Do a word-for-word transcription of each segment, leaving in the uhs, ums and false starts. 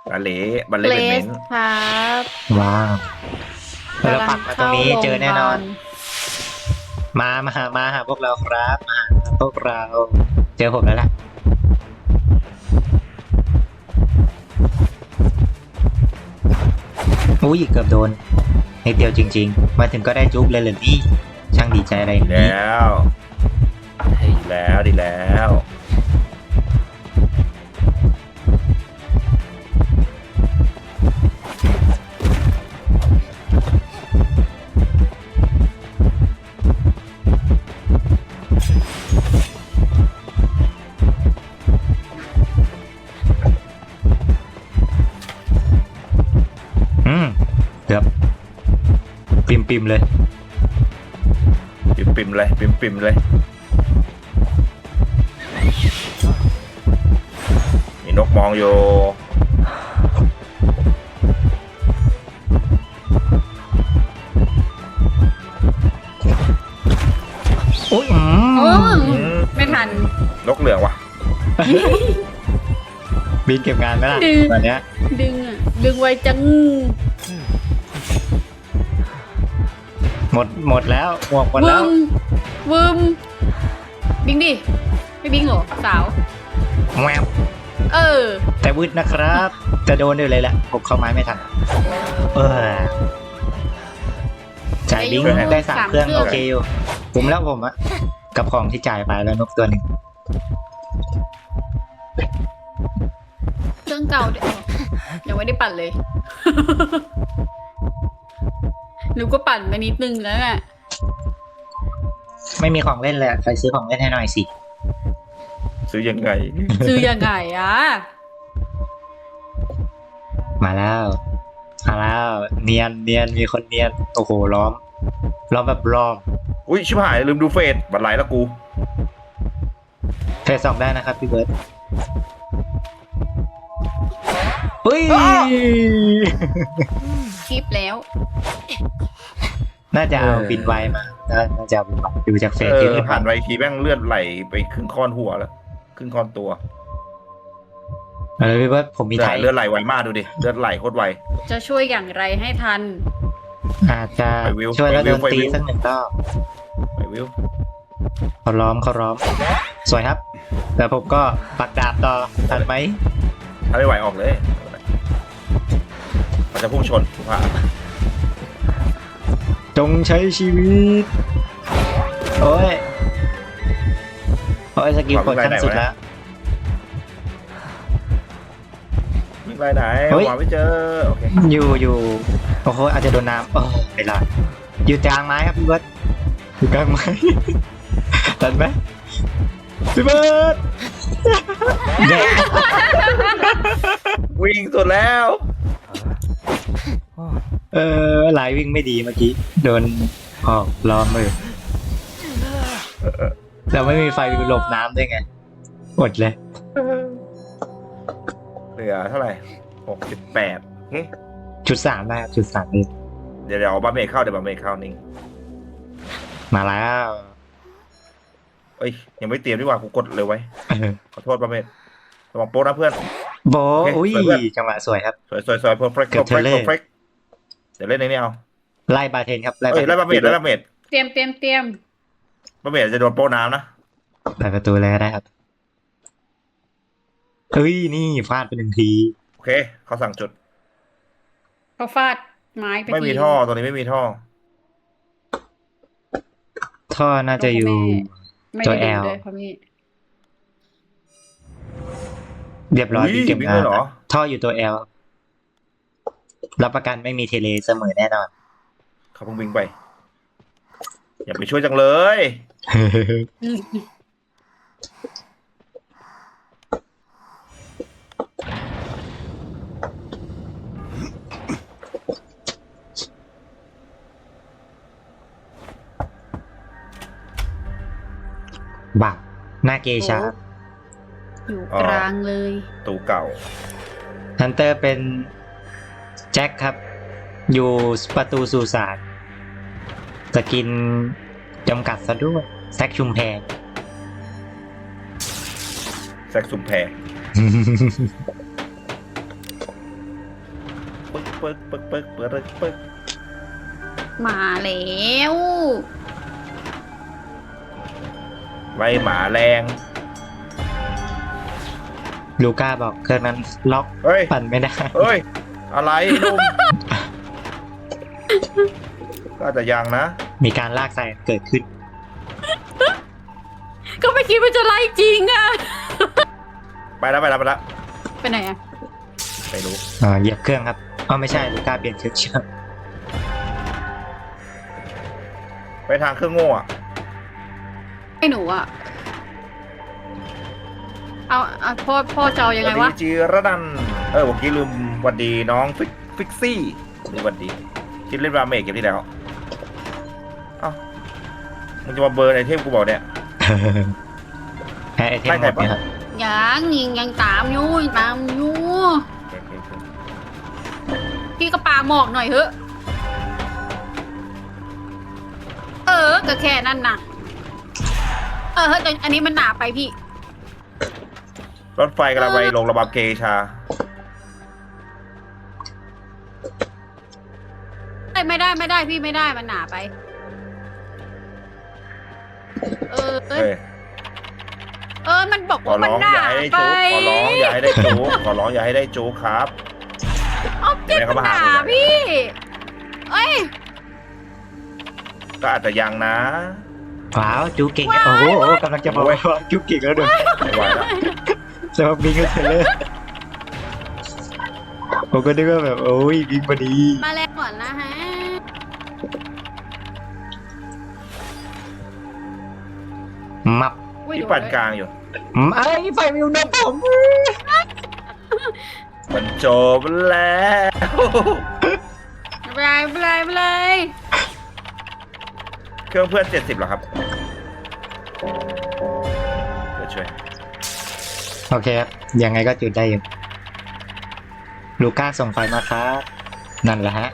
บาเล่บาเล่เลเป็นเม้สนครับว้าวเราปักมาตรงนี้เจอแน่นอน มามาหามาหาพวกเราครับมาหาพวกเราเจอผมแล้วล่ะอุ้ยเกือบโดนนิดเดียวจริงๆมาถึงก็ได้จุ๊บเลยเลยนี่ช่างดีใจอะไรอย่างนี้แล้วดีแล้วดีแล้วอืมเกือบปิมปิมๆเลยปิมปิมเลยปิมปิมเลยมีนกมองอยู่อุ้ยอืโอ้มอืมไม่ทันนกเหลืองว่ะบินเก็บงานไหมล่ะดึงตอนเนี้ยดึงอ่ะ ดึงไวจังหมดหมดแล้วหมวกหมดวึแล้วมวึมบิงดิ ไม่บิงเหรอ สาวแววเออแต่วืดนะครับ จะโดนด้วยเลยแหละผมเข้าไม้ไม่ทันเออจ่ายลิงก์ได้สามเครื่องโอเคอยู่ผมแล้วผมอะกับของที่จ่ายไปแล้วนกตัวหนึ่งเครื่องเก่าเดี๋ยวยังไม่ได้ปั่นเลย หนูก็ปั่นไปนิดนึงแล้วน่ะไม่มีของเล่นเลยอะใครซื้อของเล่นให้หน่อยสิซื้อยังไงซื้อยังไงอ่ะมาแล้วมาแล้วเนียนเนียนมีคนเนียนโอ้โหล้อมล้อมแบบล้อมอุ้ยชิบหายลืมดูเฟซบัตรไหลแล้วกูเฟสสองได้นะครับพี่เบิร์ตเฮ้ยคลิปแล้วน่าจะเอาบินไวมาน่าจะเอาบินไวดูจากเฟเอซที่อไม่ผ่าผ่าน นไปทีแม่งเลือดไหลไปครึ่งค้อนหัวแล้วครึ่งค้อนตัวเออพี่เบิร์ตผมมีไถแต่เลือดไหลไวมากดูดิเลือดไหลโคตรไวจะช่วยอย่างไรให้ทันอาจจะไปวิวช่วยแล้วไปโดวิวนตีไปวิวสักหนึ่งรอบไปวิวเขาล้อมเขาล้อม สวยครับ แล้วผมก็ปักดาบต่อทันไหมถ้าไม่ไหวออกเลยมันจะพุ่งชนถูกป่ะจงใช้ชีวิต โอ้ย โอ้ยสกิลกดขั้นสุดแล้ววิ่งไปไหนเฮ้ยหาไม่เจอโอเคอยู่อยู่โอ้โหอาจจะโดนน้ำโอ้ไม่รอดอยู่กลางไม้ครับพี่เบิร์ตอยู่กลางไม้ ทันไหมพี่เบิร์ตวิ่งสุดแล้วเออไหลวิ่งไม่ดีเมื่อกี้โดนออกล้อมมือเราไม่มีไฟหลบน้ำด้วยไงอดเลยเหลือเท่าไหร่หกสิบแปดโอเคจุดสามได้ครับจุดสามเลยเดี๋ยวเดี๋ยวเอาบัมเมทเข้าเดี๋ยวบัมเมทเข้านิ่งมาแล้วเอ้ยยังไม่เตรียมดีกว่ากูกดเลยไว้เออขอโทษบัมเมทระวังโป๊ะนะเพื่อนโบโอเคอุ้ยสวยเพื่อนจังหวะสวยครับสวยสวยสวยเพอร์เฟกต์เกืเพออบ ร์เฟกต์เทเลอร์เพอร์เฟกต์เดี๋ยวเล่นในนี้เอาไล่บาเทนครับไล่เอ้ยไล่บัมเมทไล่บัมเมทเตรียมเตรียมเตรียมบัมเมทจะโดนโป๊ะน้ำนะเปิดประตูเลยก็ได้ครับเฮ้ยนี่ฟาดไปหนึ่งทีโอเคเขาสั่งจุดเขาฟาดไม้ไปไม่มีทีท่อตรงนี้ไม่มีท่อท่อน่าจะอยู่ไม่ตัวได้ L ดูเลยเขามีเรียบร้อยอุ้ยพี่เก็บวิ่งงาเลนยเหรอท่ออยู่ตัว L รับประกันไม่มีเทเลเสมอแน่นอนเขาเพิ่งวิ่งไป อย่าไปช่วยจังเลยบักหน้าเกชาอยู่กลางเลยตูเก่าฮันเตอร์เป็นแจ็คครับ อยู่ประตูสุสานสกินจำกัดซะด้วยแซกชุมแพรแซกซุมแพรเปิกเปิกเปิกเปิกเปิกเปิกมาแล้วไว้หมาแรงลูก้าบอกเครื่องนั้นล็อกเฮ้ยปั่นไม่ได้เฮ้ย อะไรนุ่ม ก็อาจจะยังนะมีการลากสายเกิดขึ้นก็ไม่คิดว่าจะไล่จริงอะไปแล้วไปแล้วไปแล้วไปไหนอะไม่รู้อ่าเหยียบเครื่องครับอ๋อไม่ใช่ลูก้าเปลี่ยนเครื่องเชื่อมไปทางเครื่องโง่อะไอ้หนูอะเอาเอาพ่อพ่อจะเอายังไงสวะสดีจีระดัน เออเมื่อกี้ลืมหวันดีน้องฟิกฟิกซี่นี่หวันดีคิดเล่นราเมกเก็บที่แล้วเอ้ามึงจะมาเบิร์นไอเทมกูบอกเนี่ยแพ้ไอเทมหมดเนี่ยครับยังยังยังตามอยู่ยังตามอยู่โอเคโอเคพี่ก็ปาหมอกหน่อยเถอะเออก็แค่นั้นน่ะเออเฮ้ยแต่อันนี้มันหนาไปพี่รถไฟกำลังไปลงระบำเกชาไม่ไม่ได้ไม่ได้พี่ไม่ได้มันหนาไป เออเอ้ยเฮ้ยเออมันบอกขอว่ามันร้องหนาอย่าให้ได้ไปจูขอร้องอย่าให้ได้จูขอร้องอย่าให้ได้จูครับเอาเจ็บแม่มันเขามาหหานาผมเนี่ยพี่เอ้ยก็อาจจะยังนะว้าวจูเก่งโอ้โหกำลังจะบอกว่าจูเก่งแล้วด้วยไม่ไหวแล้วสำหรับบิงก็เทเลอร์ผมก็นึกว่าแบบโอ้ยบิงพอดีมาแล้วก่อนนะฮะมับอุ๊ยที่เดี๋ยวปั่นกลางอยู่ไอ้ไฟมิวนะผมมันจบแล้วไม่เป็นไรไม่เป็นไรไม่เป็นไรเครื่องเพื่อนเจ็ดสิบเหรอครับเดี๋ยวช่วยโอเคครับยังไงก็จุดได้อยู่ลูก้าส่งไฟมาครับนั่นแหละฮะ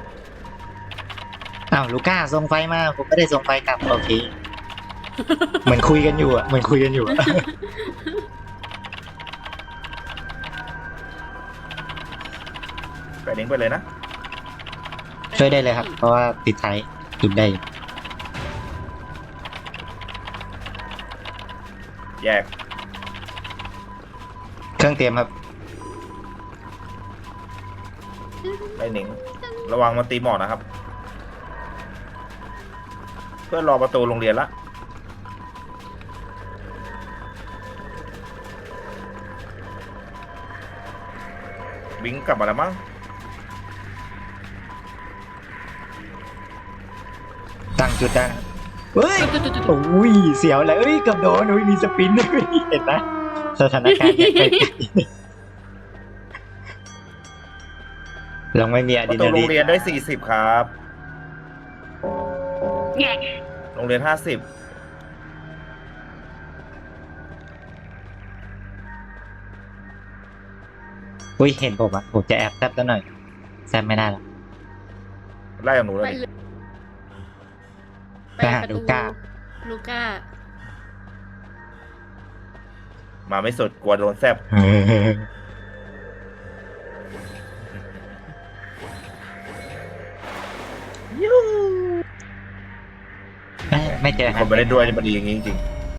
อ้าวลูก้าส่งไฟมาผมไม่ได้ส่งไฟกลับโอเคเหมือนคุยกันอยู่อ่ะเหมือนคุยกันอยู่อะไปเด้งไปเลยนะช่วยได้เลยครับเพราะว่าติดท้ายจุดได้อยู่แยกเครื่องเตรียมครับไปหนิง ระวังมันตีหมอนะครับ เพื่อนรอประตูโรงเรียนละบิงกลับมาแล้วมั้งตั้งจุดได้นะครับเฮ้ยจุดๆโอ้ยเสียวเลยเอ้ยเกับโดนอุ้ยมีสปินด้วยเห็นไหมสถานการณ์ยังไงเราไม่มีอะปดรีระตูนาโรลีงเรียนได้สี่สิบครับๆแง่โรงเรียนห้าสิบอุ้ยเห็นผมอ่ะผมจะแอบแซบซะหน่อยแซบไม่ได้หรอกไล่กับหนูเลไปยเลยไปหาลูก้าลูก้ามาไม่สุดกลัวโดนแซบเออเอ้ยไม่เจอคฮะนไปเล่นด้วยนี่มันดีอย่างนี้จริงๆ